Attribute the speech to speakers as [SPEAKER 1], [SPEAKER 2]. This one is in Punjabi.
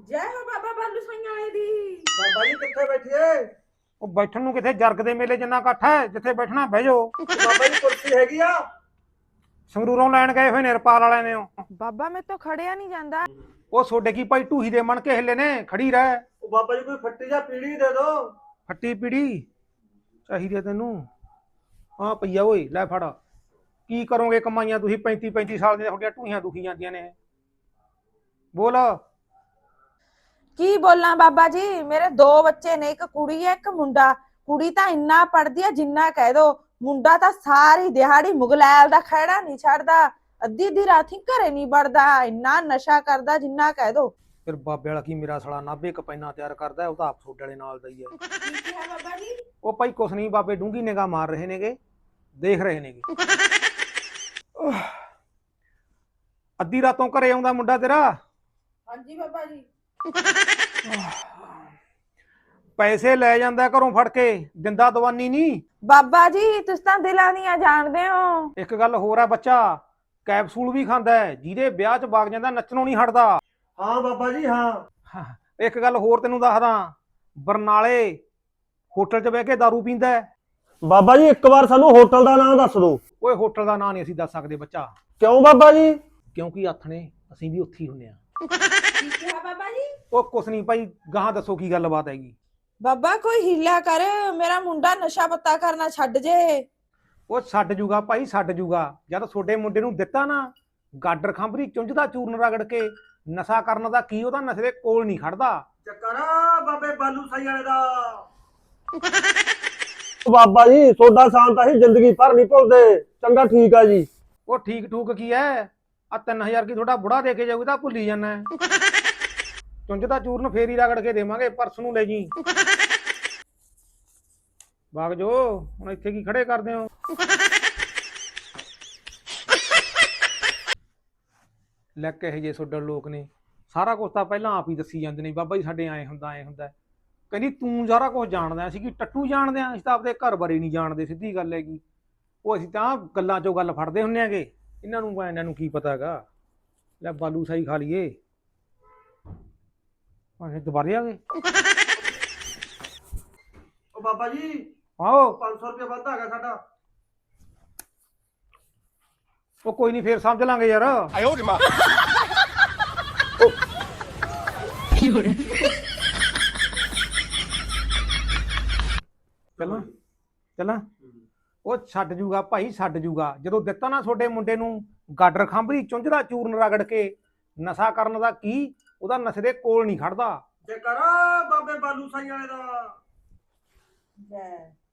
[SPEAKER 1] ਜੈ ਹੋ ਬਾਬਾ ਬਾਲੂ ਸਿੰਘ ਵਾਲੇ ਦੀ।
[SPEAKER 2] ਬਾਬਾ ਜੀ ਕਿੱਥੇ ਬੈਠੀਏ?
[SPEAKER 3] ਉਹ ਬੈਠਣ ਨੂੰ ਕਿਥੇ ਜਰਗ ਦੇ ਮੇਲੇ ਜਿੰਨਾ ਇਕੱਠ ਹੈ, ਜਿੱਥੇ ਬੈਠਣਾ ਬਹਿ ਜਾਓ।
[SPEAKER 2] ਬਾਬਾ ਜੀ ਕੁਰਸੀ ਹੈਗੀ ਆ?
[SPEAKER 3] ਸੰਗਰੂਰੋਂ ਲੈਣ ਗਏ ਹੋਏ ਨੇ ਰਪਾਲ ਵਾਲਿਆਂ ਨੇ।
[SPEAKER 1] ਬਾਬਾ ਮੇਰੇ ਤੋਂ ਖੜਿਆ ਨਹੀਂ ਜਾਂਦਾ।
[SPEAKER 3] ਉਹ ਸੋਡੇ ਕੀ ਭਾਈ ਢੂਹੀ ਦੇ ਮਣ ਕੇ ਹਿੱਲੇ ਨੇ, ਖੜੀ ਰਹਿ।
[SPEAKER 2] ਉਹ ਬਾਬਾ ਜੀ ਕੋਈ ਫੱਟੀ ਜਾਂ ਪੀੜੀ ਦੇ ਦੋ।
[SPEAKER 3] ਫੱਟੀ ਪੀੜੀ ਚਾਹੀਦੀ ਤੈਨੂੰ? ਹਾਂ ਪਈਆ ਓਏ, ਲੈ ਫੜ। ਕੀ ਕਰੋਗੇ ਕਮਾਈਆਂ ਤੁਸੀਂ? 35 ਸਾਲ ਦੀਆਂ ਤੁਹਾਡੀਆਂ ਢੂਹੀਆਂ ਦੁਖੀ ਜਾਂਦੀਆਂ ਨੇ। ਬੋਲ।
[SPEAKER 1] ਕੀ ਬੋਲਾਂ ਬਾਬਾ ਜੀ, ਮੇਰੇ 2 ਬੱਚੇ ਨੇ, ਇੱਕ ਕੁੜੀ ਹੈ ਇੱਕ ਮੁੰਡਾ। ਕੁੜੀ ਤਾਂ ਇੰਨਾ ਪੜਦੀ ਹੈ ਜਿੰਨਾ ਕਹਿ ਦੋ, ਮੁੰਡਾ ਤਾਂ ਸਾਰੀ ਦਿਹਾੜੀ ਮੁਗਲੈਲ ਦਾ ਖਹਿੜਾ ਨਹੀਂ ਛੱਡਦਾ, ਅੱਧੀ ਅੱਧੀ ਰਾਤੀ ਘਰੇ ਨਹੀਂ ਵੜਦਾ, ਇੰਨਾ ਨਸ਼ਾ ਕਰਦਾ ਜਿੰਨਾ ਕਹਿ ਦੋ।
[SPEAKER 3] ਫਿਰ ਬਾਬੇ ਵਾਲਾ ਕੀ ਮੇਰਾ ਸਾਲਾ ਨਾਭੇ ਕਪੈਨਾ ਤਿਆਰ ਕਰਦਾ, ਉਹ ਤਾਂ ਆਪ ਸੋਡੇ ਵਾਲੇ ਨਾਲ ਦਾ ਹੀ ਹੈ।
[SPEAKER 1] ਕੀ ਹੈ ਬਾਬਾ ਜੀ?
[SPEAKER 3] ਉਹ ਭਾਈ ਕੁਛ ਨਹੀਂ, ਬਾਬੇ ਡੂੰਗੀ ਨਿਗਾਹ ਮਾਰ ਰਹੇ ਨੇਗੇ, ਦੇਖ ਰਹੇ ਨੇਗੇ। ਅੱਧੀ ਰਾਤੋਂ ਘਰੇ ਆਉਂਦਾ ਮੁੰਡਾ ਤੇਰਾ?
[SPEAKER 1] ਹਾਂਜੀ ਬਾਬਾ ਜੀ।
[SPEAKER 3] ਪੈਸੇ ਲੈ ਜਾਂਦਾ ਘਰੋਂ ਫੜ ਕੇ, ਦਿੰਦਾ ਦਵਾਨੀ ਨਹੀਂ।
[SPEAKER 1] ਬਾਬਾ ਜੀ ਤੁਸੀਂ ਤਾਂ ਦਿਲਾਂ ਦੀਆਂ ਜਾਣਦੇ ਹੋ।
[SPEAKER 3] ਇੱਕ ਗੱਲ ਹੋਰ ਹੈ, ਬੱਚਾ ਕੈਪਸੂਲ ਵੀ ਖਾਂਦਾ ਹੈ, ਜਿਹਦੇ ਵਿਆਹ 'ਚ ਵਗ ਜਾਂਦਾ ਨੱਚਣੋਂ ਨਹੀਂ ਹਟਦਾ।
[SPEAKER 2] ਹਾਂ ਬਾਬਾ ਜੀ ਹਾਂ।
[SPEAKER 3] ਇੱਕ ਗੱਲ ਹੋਰ ਤੈਨੂੰ ਦੱਸਦਾ, ਬਰਨਾਲੇ ਹੋਟਲ 'ਚ ਬਹਿ ਕੇ ਦਾਰੂ ਪੀਂਦਾ ਹੈ।
[SPEAKER 2] ਬਾਬਾ ਜੀ ਇੱਕ ਵਾਰ ਸਾਨੂੰ ਹੋਟਲ ਦਾ ਨਾਮ ਦੱਸ ਦਿਓ।
[SPEAKER 3] ਓਏ ਹੋਟਲ ਦਾ ਨਾਂ ਨਹੀਂ ਅਸੀਂ ਦੱਸ ਸਕਦੇ ਬੱਚਾ,
[SPEAKER 2] ਕਿਉਂ ਬਾਬਾ ਜੀ?
[SPEAKER 3] ਕਿਉਂਕਿ ਆਥਣੇ ਅਸੀਂ ਵੀ ਉੱਥੇ ਹੀ ਹੁੰਨੇ ਆ।
[SPEAKER 1] ਕੀ ਕਿਹਾ ਬਾਬਾ ਜੀ?
[SPEAKER 3] ਉਹ ਕੁਛ ਨਹੀਂ ਭਾਈ, ਗਾਹਾਂ ਦੱਸੋ ਕੀ ਗੱਲਬਾਤ ਹੈਗੀ।
[SPEAKER 1] ਬਾਬਾ ਕੋਈ ਹੀਲਾ ਕਰ, ਮੇਰਾ ਮੁੰਡਾ ਨਸ਼ਾ ਪੱਤਾ ਕਰਨਾ ਛੱਡ ਜੇ।
[SPEAKER 3] ਉਹ ਛੱਡ ਜੂਗਾ ਭਾਈ, ਛੱਡ ਜੂਗਾ। ਜਦ ਤੁਹਾਡੇ ਮੁੰਡੇ ਨੂੰ ਦਿੱਤਾ ਨਾ ਗਾਡਰ ਖੰਭਰੀ ਚੁੰਝ ਦਾ ਚੂਰਨ ਰਗੜ ਕੇ, ਨਸ਼ਾ ਕਰਨ ਦਾ ਕੀ ਉਹਦਾ ਨਸ਼ੇ ਦੇ ਕੋਲ ਨਹੀਂ ਖੜਦਾ।
[SPEAKER 2] ਚੱਕਰ ਬਾਬੇ ਬਾਲੂ ਸਾਈ ਵਾਲੇ ਦਾ। ਬਾਬਾ ਜੀ ਤੁਹਾਡਾ ਸ਼ਾਂਤ ਅਸੀਂ ਜ਼ਿੰਦਗੀ ਭਰ ਨਹੀਂ ਭੁੱਲਦੇ। ਚੰਗਾ ਠੀਕ ਆ ਜੀ।
[SPEAKER 3] ਉਹ ਠੀਕ ਠੂਕ ਕੀ ਹੈ, ਆ 3000 ਕੀ ਤੁਹਾਡਾ ਬੁੜਾ ਦੇ ਕੇ ਜਾਊਗਾ ਤਾਂ ਭੁੱਲੀ ਜਾਂਦਾ। ਚੁੰਝ ਦਾ ਚੂਰਨ ਫੇਰ ਹੀ ਰਗੜ ਕੇ ਦੇਵਾਂਗੇ, ਪਰਸ ਨੂੰ ਲੈ ਜੀ। ਵਗ ਜੋ, ਹੁਣ ਇੱਥੇ ਕੀ ਖੜੇ ਕਰਦੇ ਹੋ? ਲੈ ਕਹੇ ਜੇ ਸੋਡਰ ਲੋਕ ਨੇ, ਸਾਰਾ ਕੁਝ ਤਾਂ ਪਹਿਲਾਂ ਆਪ ਹੀ ਦੱਸੀ ਜਾਂਦੇ ਨੇ, ਬਾਬਾ ਜੀ ਸਾਡੇ ਐ ਹੁੰਦਾ ਐ ਹੁੰਦਾ। ਕਹਿੰਦੀ ਤੂੰ ਸਾਰਾ ਕੁਝ ਜਾਣਦਾ, ਅਸੀਂ ਕੀ ਟੱਟੂ ਜਾਣਦੇ ਆ? ਅਸੀਂ ਤਾਂ ਆਪਦੇ ਘਰ ਬਾਰੇ ਨਹੀਂ ਜਾਣਦੇ, ਸਿੱਧੀ ਗੱਲ ਹੈਗੀ। ਉਹ ਅਸੀਂ ਤਾਂ ਗੱਲਾਂ ਚੋਂ ਗੱਲ ਫੜਦੇ ਹੁੰਨੇ ਆਗੇ, ਇਹਨਾਂ ਨੂੰ ਕੀ ਪਤਾ ਹੈਗਾ। ਲੈ ਬਾਲੂ ਸਾਈ ਖਾ ਲਈਏ, ਭਾਵੇਂ ਦੁਬਾਰੇ ਆ ਗਏ।
[SPEAKER 2] ਉਹ ਬਾਬਾ ਜੀ
[SPEAKER 3] ਆਓ।
[SPEAKER 2] 500 ਰੁਪਏ ਵੱਧ ਆ ਗਿਆ ਸਾਡਾ।
[SPEAKER 3] ਉਹ ਕੋਈ ਨਹੀਂ, ਫੇਰ ਸਮਝ ਲਾਂਗੇ ਯਾਰ। ਚੱਲਾਂ ਚੱਲਾਂ। ਉਹ ਛੱਡ ਜੂਗਾ ਭਾਈ, ਛੱਡ ਜੂਗਾ। ਜਦੋਂ ਦਿੱਤਾ ਨਾ ਤੁਹਾਡੇ ਮੁੰਡੇ ਨੂੰ ਗਾਡਰ ਖੰਭਰੀ ਚੁੰਝ ਦਾ ਚੂਰਨ ਰਗੜ ਕੇ, ਨਸ਼ਾ ਕਰਨ ਦਾ ਕੀ ਉਹਦਾ ਨਸ਼ੇ ਦੇ ਕੋਲ ਨਹੀਂ ਖੜਦਾ।
[SPEAKER 2] ਚੱਕਰ ਬਾਬੇ ਬਾਲੂ ਸਾਈ ਵਾਲੇ ਦਾ।
[SPEAKER 1] ਜੈ